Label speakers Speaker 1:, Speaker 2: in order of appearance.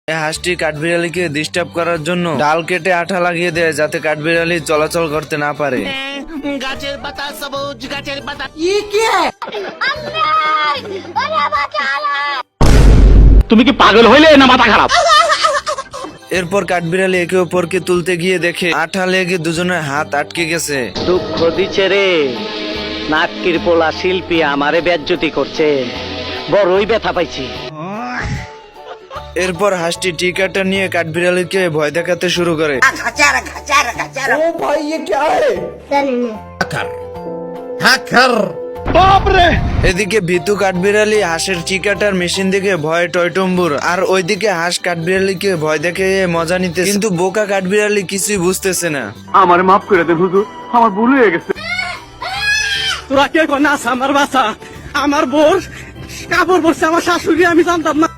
Speaker 1: এই হাঁসটি কাঠবিড়ালিকে ডিস্টার্ব করার জন্য ডাল কেটে আঠা লাগিয়ে দেয় যাতে কাঠবিড়ালি চলাচল করতে না পারে।
Speaker 2: গাছের পাতা সবুজ, গাছের পাতা।
Speaker 3: তুমি কি পাগল হইলে না মাথা খারাপ?
Speaker 1: এরপর কাঠবিড়ালি একে অপরকে তুলতে গিয়ে দেখে আঠা লেগে দুজনের হাত আটকে গেছে।
Speaker 3: দুঃখ দিচ্ছে রে, নাটকির পোলা শিল্পী আমারে বেজ্জতি করছে, বড়ই ব্যথা পাইছি।
Speaker 1: এরপর হাঁসটি টিকাটা নিয়ে কাঠবিড়ালিকে ভয় দেখাতে শুরু করে। এদিকে ভীতু কাঠবিড়ালি হাঁসের চিকাটার মেশিন দেখে ভয়ে টয়টম্বুর, আর ওইদিকে হাঁস কাঠবিড়ালিকে ভয় দেখে মজা নিতে, কিন্তু বোকা কাঠবিড়ালি কিছুই বুঝতেছে না।
Speaker 4: আমার মাফ করে দেন হুজুর, আমার ভুল হয়ে গেছে।
Speaker 3: তোরা কে নাস আমার বাসা, আমার বোর কাপড় পরছে আমার শাশুড়ি, আমি জানতাম না।